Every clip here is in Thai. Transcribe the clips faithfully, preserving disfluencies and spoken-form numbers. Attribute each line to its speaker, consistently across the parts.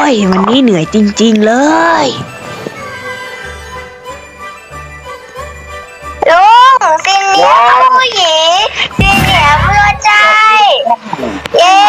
Speaker 1: ยวันนี้เหนื่อยจริงๆเลย
Speaker 2: ลุงซินเนียผู้หญิงซินเนียเพื่อใจเย้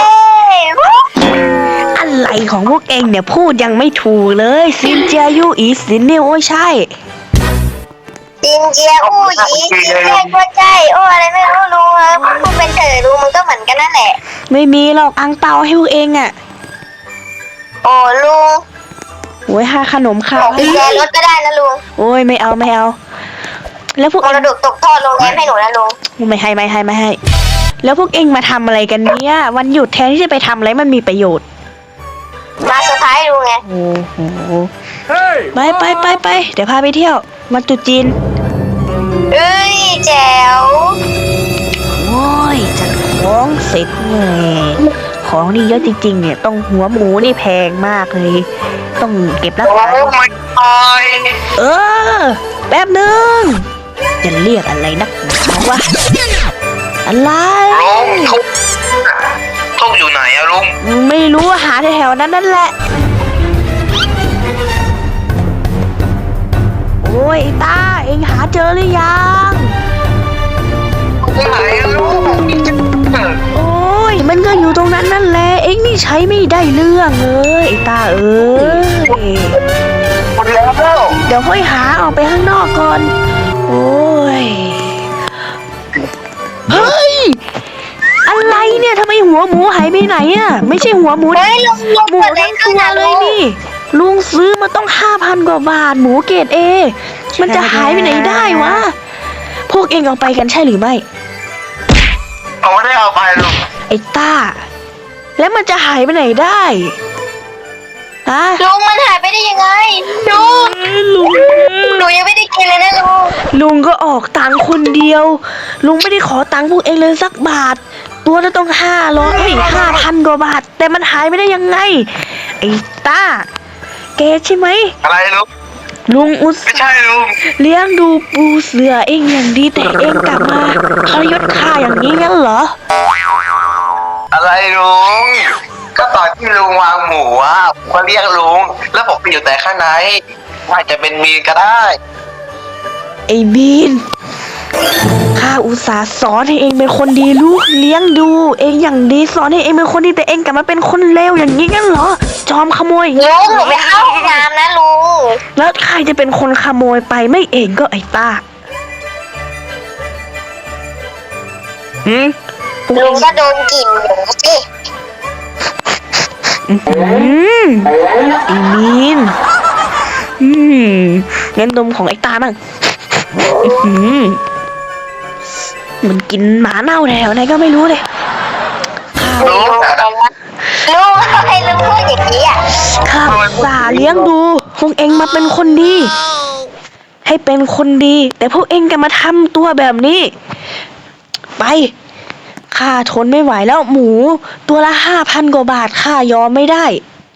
Speaker 1: อะไรของพวกเองเนี่ยพูดยังไม่ถูกเลยซินเจียยูอีซินเนี่ยโอ้ยใช่
Speaker 2: ซินเจียผู้หญิงซินเนียเพื่อใจโอ้อะไรไม่รู้ลุงครับพูดเป็นเถอะลุงมันก็เหมือนกันนั่นแหละ
Speaker 1: ไม่มีหรอกอังเปาให้พวกเองอ่ะ
Speaker 2: โอ้ลุง
Speaker 1: โอ้ยหาขนมข้าว
Speaker 2: ให้แกรถก็ได้นะลุง
Speaker 1: โอ้ยไม่เอาไม่เอาแล้วพวก
Speaker 2: มรดกตกทอดโรงแรมให้หนูนะลุง
Speaker 1: ไม่ให้ไม่ให้ไม่ให้แล้วพวกเองมาทำอะไรกันเนี่ยวันหยุดแทนที่จะไปทำอะไรมันมีประโยชน์
Speaker 2: มาเซอร์ไพรส์ลุงไง
Speaker 1: โอ้โหไปไปไปไปเดี๋ยวพาไปเที่ยววันตรุษจีน
Speaker 2: เอ้ยแจ๋ว
Speaker 1: โอ้ยจัดของเสร็จไงของนี่เยอะจริงๆเนี่ยต้องหัวหมูนี่แพงมากเลยต้องเก็บรักษาเออแป๊บนึงจะเรียกอะไรนักหนาวะอะไร
Speaker 3: ลุงทุกทุกอยู่ไหนอะลุง
Speaker 1: ไม่รู้หาแถวๆนั้นนั่นแหละโอ้ยตาเอ็งหาเจอหรือยัง
Speaker 3: ไหนลุง
Speaker 1: โอ้ยมันก็อยู่ตรงนั้นนั่นแหละเอ็งนี่ใช้ไม่ได้เรื่องเลยไอ้ตาเอ้ย
Speaker 3: หมดแล้ว
Speaker 1: เดี๋ยวค่อยหาออกไปข้างนอกก่อนโอ้ยเฮ้ยอะไรเนี่ยทำไมหัวหมูหายไปไหนอ่ะไม่ใช่หัวหมู
Speaker 2: เฮ้ยลุงลุง
Speaker 1: หมูทั้งตัวเลยนี่ลุงซื้อมาต้องห้าพันกว่าบาทหมูเกรดเอมันจะหายไปไหนได้วะพวกเองเอาไปกันใช่หรือไม่
Speaker 3: เอาไม่ได้เอาไปลุง
Speaker 1: ไอ้ต้าแล้วมันจะหายไปไหนได้ฮะ
Speaker 2: ลุงมันหายไปได้ยังไงลุง
Speaker 1: ลุง
Speaker 2: หนูยังไม่ได้กินเลยนะลุง
Speaker 1: ลุงก็ออกตังค์คนเดียวลุงไม่ได้ขอตังค์พวกเองเลยสักบาทตัวละต้องห้าร้อยห้าพันกว่าบาทแต่มันหายไปได้ยังไงไอ้ต้าแกใช่ไหม
Speaker 3: อะไรลุง
Speaker 1: ลุงอุต
Speaker 3: ไม่ใช่ลุง
Speaker 1: เลี้ยงดูปูเสือเองอย่างดีแต่เองกลับมาทรยศข้าอย่างนี้งั้นเหรอ
Speaker 3: อะไรลุงก็ตอนที่ลุงวางหมูอ่ะผมก็เรียกลุงแล้วผมไปอยู่แต่ข้างในว่าจะเป็นมีนก็ได้
Speaker 1: ไอ้มีนข้าอุตส่าห์สอนให้เองเป็นคนดีลูกเลี้ยงดูเองอย่างดีสอนให้เองเป็นคนดีแต่เองกลับมาเป็นคนเลวอย่างนี้งั้นเหรอจอมขโมย
Speaker 2: ลุงหนูไปเข้าห้องน้ำนะลุง
Speaker 1: แล้วใครจะเป็นคนขโมยไปไม่เองก็ไอ้ต้า
Speaker 2: หืมลุงก็โดนกลิ่นอยู่สิ
Speaker 1: อืมไอ้มีนอืมงั้นดมของไอ้ตาบ้างอืมมันกินหมาเน่าแถวไหนก็ไม่รู้เลย
Speaker 2: ลุงลุงทำไมลุงพูดอย่างนี้อ่ะ
Speaker 1: ข้าสาเลี้ยงดูพวกเองมาเป็นคนดีให้เป็นคนดีแต่พวกเองก็มาทำตัวแบบนี้ไปข้าทนไม่ไหวแล้วหมูตัวละห้าพันกว่าบาทข้ายอมไม่ได้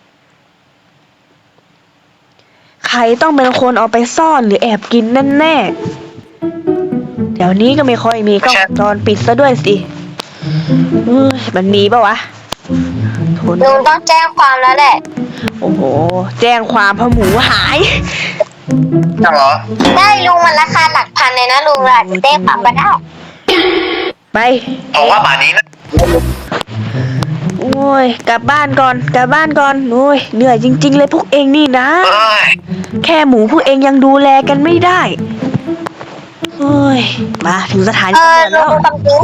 Speaker 1: ใครต้องเป็นคนเอาไปซ่อนหรือแอบกินแน่ๆเดี๋ยวนี้ก็ไม่ค่อยมีกล้องวงจรปิดซะด้วยสิเฮ้ยมันมีปะวะ
Speaker 2: ลุงต้องแจ้งความแล้วแหละ
Speaker 1: โอ้โหแจ้งความเพราะหมูหาย
Speaker 3: ใช่เหรอ
Speaker 2: ได้ลุงมันราคาหลักพันเลยนะลุงอาจจะแจ้งความก็ได้
Speaker 1: ไป
Speaker 3: บอกว่าป่านนี้นะ
Speaker 1: โอ้ยกลับบ้านก่อนกลับบ้านก่อนโอ้ยเหนื่อยจริงๆเลยพวกเองนี่นะแค่หมูพวกเองยังดูแลกันไม่ได้โอ้ยมาถึงสถานีตำรวจแล้ว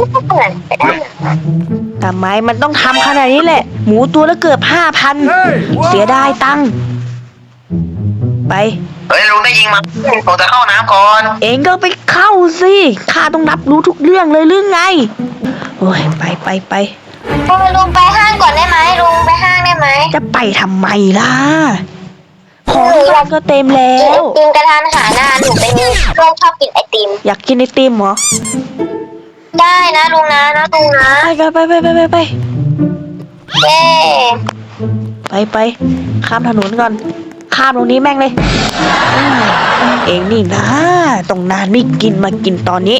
Speaker 1: ทำไมมันต้องทำขนาดนี้แหละหมูตัวละเกือบห้าพันเสียดายตังค์ไป
Speaker 3: เฮ้ยลุงได้ยิงมาผมจะเข้าน้ำก่อน
Speaker 1: เองก็ไปเข้าสิข้าต้องรับรู้ทุกเรื่องเลยเรื่องไงโอ้ยไปไปไป
Speaker 2: ลุงไปห้างก่อนได้ไหมลุงไปห้างได้ไหม
Speaker 1: จะไปทำไมล่ะของที่ร้านก็เต็มแล้ว
Speaker 2: กินกระทานอาหารนะหนูเป็นลุงชอบกินไอติม
Speaker 1: อยากกินไอติมเหรอ
Speaker 2: ได้นะลุงนะนะลุงนะ
Speaker 1: ไปไปไปไปไปไป
Speaker 2: เย้
Speaker 1: ไปไปข้ามถนนก่อนข้ามตรงนี้แม่งเลยเองนี่นะตรงนานไม่กินมากินตอนนี้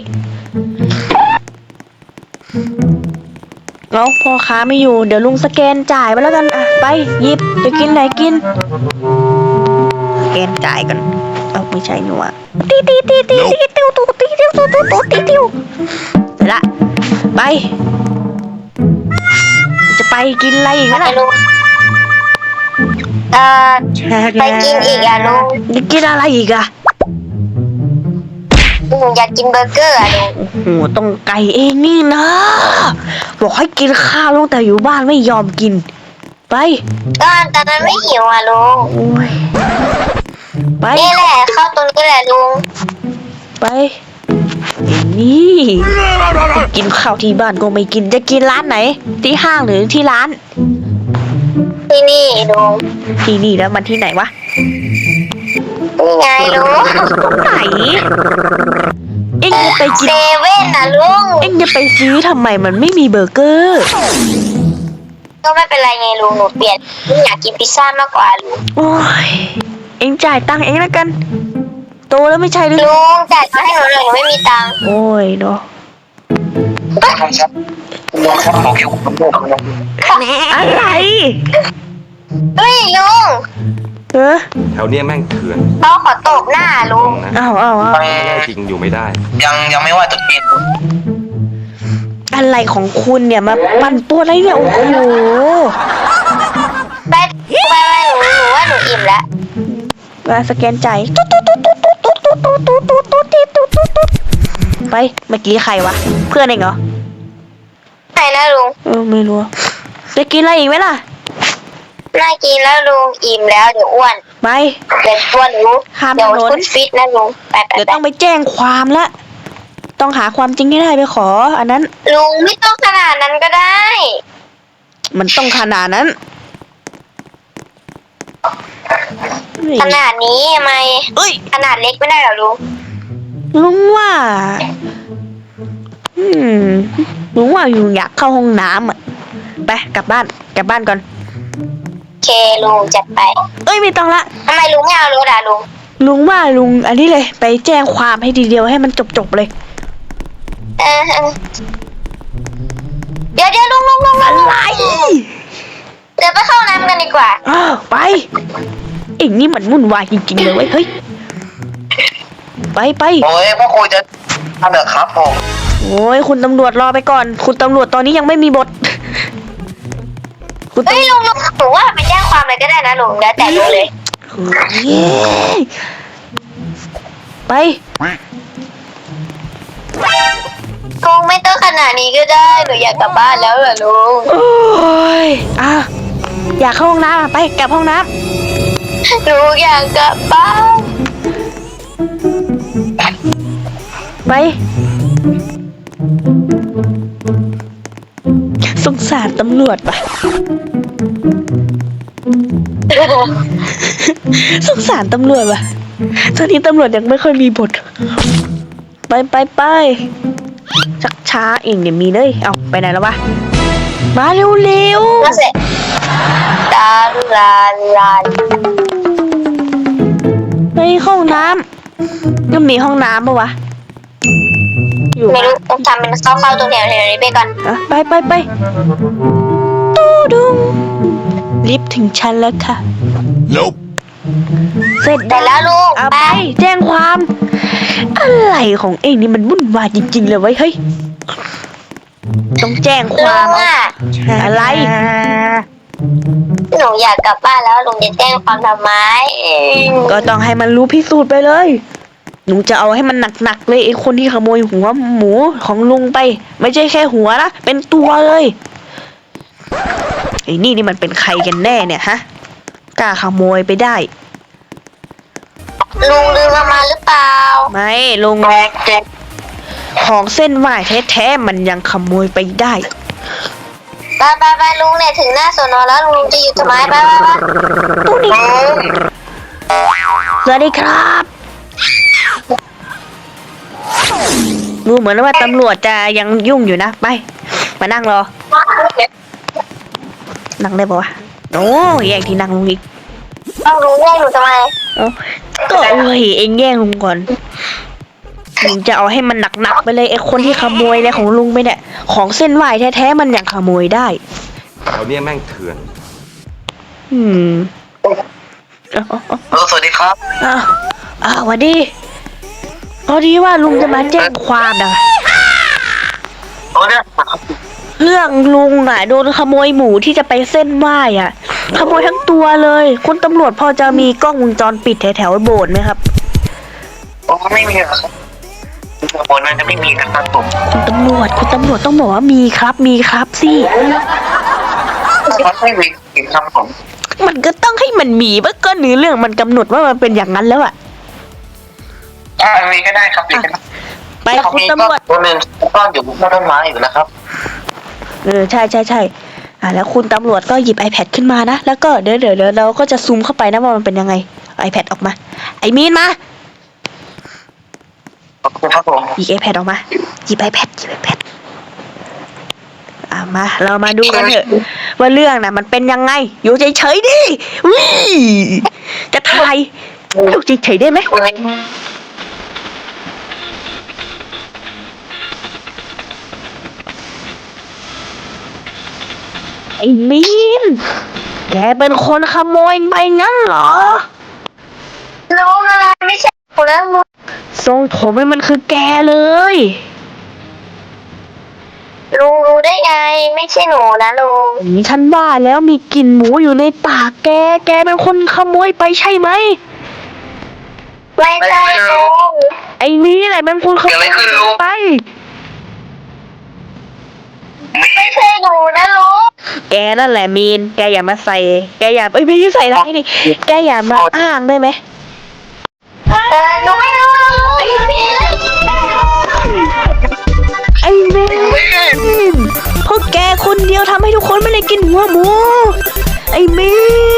Speaker 1: แล้วพ่อค้าไม่อยู่เดี๋ยวลุงสแกนจ่ายไปแล้วกันอ่ะไปหยิบจะกินไหนกินแกนจ่ายกันเอาไม่ใช่หนูอะตีตีตีตีตีติวตูตีติวตูตูตูตีติวเสร็จละไปจะไปกินอะไรอีกไหมล่ะ
Speaker 2: ลุงเอ่อไปกินอีกอ่ะลุง
Speaker 1: จะกินอะไรอีกอะ
Speaker 2: ลุงอยากกินเบอร์เกอร์อ่ะลุง
Speaker 1: โอ้โหต้องไก่เองนี่นะบอกให้กินข้าวลุงแต่อยู่บ้านไม่ยอมกินไป
Speaker 2: ก็ตอนนั้นไม่หิวอ่ะลุง
Speaker 1: โอ้ยไป
Speaker 2: นี่แหละเข้าตรงนี้แหละลุง
Speaker 1: ไปไอ้นี่กินข้าวที่บ้านก็ไม่กินจะกินร้านไหนที่ห้างหรือที่ร้าน
Speaker 2: ที่นี่ลุง
Speaker 1: ที่นี่แล้วมันที่ไหนวะ
Speaker 2: นี่ไงลุง
Speaker 1: ไหนเอ็งจะไปกิน
Speaker 2: เซเว่นนะลุง
Speaker 1: เอ็งจะไปซื้อทำไมมันไม่มีเบอร์เกอร์
Speaker 2: ก็ไม่เป็นไรไงลุงหนูเปลี่ยนลุงอยากกินพิซซ่ามากกว่าลุง
Speaker 1: โอ้ยเอ็งจ่ายตังค์เอ็งแล้วกันโตแล้วไม่ใช่หรือ
Speaker 2: ลุงจ่ายมาให้หนูหน่อยหนูไม่มีตังค์
Speaker 1: โอ้ยเนาะ
Speaker 3: ครับลุงครับผมคิดว่าผมบอกลุง
Speaker 1: อะไร
Speaker 2: เฮ้ยลุง
Speaker 1: เออ
Speaker 4: แถวเนี้ยแม่งเถื่อน
Speaker 2: เขาขอตบหน้าลุง
Speaker 4: นะ
Speaker 1: เอาเอาเอา
Speaker 4: แน่จริงอยู่ไม่ได้
Speaker 3: ยังยังไม่ว่าจะกิน
Speaker 1: อะไรของคุณเนี่ยมาปั่นตัวอะไรเนี่ยโอ้โห
Speaker 2: ไปไปไปหนูหนูว่าหนูอิ่มแล้ว
Speaker 1: มาสแกนจ่ายตุ๊ดตุ๊ดตุ๊ดตุ๊ดตุ๊ดตุ๊ดตุ๊ดตุ๊ดตุ๊ดตุ๊ดตุ๊ดตุ๊ดตุ๊ดไปเมื่อกี้ใครวะเพื่อนเองเหรอ
Speaker 2: ไหนนะลุง
Speaker 1: เออไม่รู้จะกินอะไรอีกไหมล่ะ
Speaker 2: น่ากินแล้วลุงอิ่มแล้วเดี๋ยวอ้วน
Speaker 1: ไป
Speaker 2: เดี๋ยวอ้วนหนู
Speaker 1: ข้าม
Speaker 2: เดี๋ยว
Speaker 1: ถนน
Speaker 2: ฟุตฟิตนะลุงไปไป
Speaker 1: เดี๋ยว
Speaker 2: ไป
Speaker 1: ต้องไปแจ้งความละต้องหาความจริงให้ได้ไปขอ อันนั้น
Speaker 2: ลุงไม่ต้องขนาดนั้นก็ได้
Speaker 1: มันต้องขนาดนั้น
Speaker 2: ขนาดนี้ทำไม
Speaker 1: เอ้ย
Speaker 2: ขนาดเล็กไม่ได้เหรอลุง
Speaker 1: ลุงว่า อืมลุงว่าอยู่อยากเข้าห้องน้ำอ่ะไปกลับบ้านกลับบ้านก่อน
Speaker 2: โอเคลุงจัดไป
Speaker 1: เอ้ยไม่ต้องละ
Speaker 2: ทำไมลุงไม่เอารถอ่ะลุง
Speaker 1: ลุงว่าลุงอันนี้เลยไปแจ้งความให้ทีเดียวให้มันจบๆเลย
Speaker 2: เออเออเดี๋ยวเดี๋ยวลุงลุงลุงลุง
Speaker 1: อะไร
Speaker 2: เดี๋ยวไปเข้าน้ำกันดีกว่า
Speaker 1: อ้าวไปเอ็งนี่มันวุ่นวายจริงๆเลยเว้ยเฮ้ยไปไป
Speaker 3: โอ้ยพ่อคุยจะทำเถอะครับผม
Speaker 1: โอ้ยคุณตำรวจรอไปก่อน คุณตำรวจตอนนี้ยังไม่มีบท คุณ
Speaker 2: เฮ้ย
Speaker 1: ตำ
Speaker 2: ลุงลุงหนูว่าไปแจ้งความเลยก็ได้นะลุงแล้วแต่ลุงเลย
Speaker 1: เย้ไป
Speaker 2: ลุงไม่ต้องขนาดนี้ก็ได้หนูอยากกลับบ้านแล้วเหรอลุง
Speaker 1: โอ้ยอ่ะอยากเข้าห้องน้ำอ่ะไปกลับห้องน้
Speaker 2: หนูอยากกลับบ้าน
Speaker 1: ำไปสงสารตำรวจปะ สงสารตำรวจปะตอนนี้ตำรวจยังไม่ค่อยมีบท ไปไปไปชักช้าเองเดี๋ยวมีเลยเอาไปไหนแล้ววะมาเร็วเร็ว
Speaker 2: ก็เสร็จตาลาลา
Speaker 1: ไปห้องน้ำก็มีห้องน้ำปะวะอยู่
Speaker 2: ไม่รู้ต้องทำเป็นเข้าๆตรงแถวแถวนี้ไปก่อน
Speaker 1: อ่ะไปไปไปตูดุงลิฟต์ถึงชั้นแล้วค่ะ
Speaker 4: Nope
Speaker 1: เสร็จ
Speaker 2: แต่แล้วลุง
Speaker 1: เอา
Speaker 2: ไป
Speaker 1: ไปแจ้งความ อะไรของเองนี่มันวุ่นวายจริงๆเลยเว้ยเฮ้ยต้องแจ้งค
Speaker 2: ลุ
Speaker 1: วาม
Speaker 2: งอ่ะ
Speaker 1: อะไร
Speaker 2: หนูอยากกลับบ้านแล้วลุงจะแจ้งความทำไม
Speaker 1: ก็ต้องให้มันรู้พิสูจน์ไปเลยหนูจะเอาให้มันหนักๆเลยไอ้คนที่ขโมยหัวหมูของลุงไป ไม่ใช่แค่หัวนะเป็นตัวเลยไอ้นี่นี่มันเป็นใครกันแน่เนี่ยฮะกล้าขโมยไปได้
Speaker 2: ลุงลืมเอามาหรือเปล่า
Speaker 1: ไม่ลุงของเส้นไหว้แท้ๆมันยังขโมยไปได้
Speaker 2: ไปไปไปลุงเนี่ยถึงหน้าสอนอแล้วลุงจะอยู่ทำไมไปไปไป
Speaker 1: ตู้นี้สวัสดีครับดูเหมือนว่าตำรวจจะยังยุ่งอยู่นะไปมานั่งรอนั่งได้ปะวะโอ้แย่งที่นั่งลุงอีก
Speaker 2: เอาลุงแย่งหนูทำไม
Speaker 1: เอ้าก็เอ้ยเอ็งแย่งลุงก่อนลุงจะเอาให้มันหนักๆไปเลยไอ้คนที่ขโมยอะไรของลุงไปเนี่ยของเส้นไหว้แท้ๆมันยังขโมยได้
Speaker 4: แถวเนี้ยแม่งเถื่อน
Speaker 1: อืมเอาเอาเอา
Speaker 3: ลุงสวัสดีครับ
Speaker 1: อ้าวอ้าวสวัสดีพอดีว่าลุงจะมาแจ้งความนะ
Speaker 3: โอ้เนี่ย
Speaker 1: เรื่องลุงอ่ะโดนขโมยหมูที่จะไปเส้นไหว้อ่ะ ขโมยทั้งตัวเลย คุณตำรวจพอจะมีกล้องวงจรปิดแถวๆโบสถ์ไหมครับ
Speaker 3: โอ้ไม่มีครับบนนั้นจะไม่มีนะครับผม
Speaker 1: คุณตำรวจคุณตำรวจต้องบอกว่ามีครับมีครับสิ
Speaker 3: ไม่มีครับผม
Speaker 1: มันก็ต้องให้มันมีเมื่อก็เนื้อเรื่องมันกำหนดว่ามันเป็นอย่างนั้นแล้วอ่ะ
Speaker 3: อ่ามีก็ได้ครับมีก็ได้
Speaker 1: ไปคุณตำรวจ
Speaker 3: ตัวหนึ่งซ่อนอยู่บนต้นไม้อยู่นะครับ
Speaker 1: เออใช่ใช่ใช่อ่ะแล้วคุณตำรวจก็หยิบ iPad ขึ้นมานะแล้วก็เดี๋ยวเดี๋ยวเดี๋ยวเราก็จะซูมเข้าไปนะว่ามันเป็นยังไง iPad ออกมา ไอ้มีนมา
Speaker 3: ขอบคุณครับผม
Speaker 1: หยิบ iPad ออกมาหยิบ iPad หยิบ iPad อ่ะมาเรามาดูกันเถอะว่าเรื่องน่ะมันเป็นยังไงอยู่เฉยๆดิวิจะถ่ายอยู่เฉยๆได้ไหมไอ้มีนแกเป็นคนขโมยไปงั้นเหรอ
Speaker 2: ลุงอะไรไม่ใช่หนูแล้วลุง
Speaker 1: ทรงผมให้มันคือแกเลย
Speaker 2: ลุงรู้ได้ไง ไม่ใช่หนูนะลุง
Speaker 1: นี่ฉันว่าแล้วมีกลิ่นหมูอยู่ในปากแก แกเป็นคนขโมยไปใช่ไหม
Speaker 2: ไม่ใช่ลุง
Speaker 1: ไอ้นี่แหละเป็นคนขโมยไป
Speaker 2: ไม่ใช่หนูนะลุง
Speaker 1: แกนั่นแหละมีน แกอย่ามาใส่ แกอย่าเอ้ยไม่ใช่ใส่ร้ายนี่ แกอย่ามาอ้างได้ไหม
Speaker 2: เออหนูไม่รู้
Speaker 1: ไอ้มีนพวกแกคนเดียวทำให้ทุกคนไม่ได้กินหัวหมู ไอ้มีน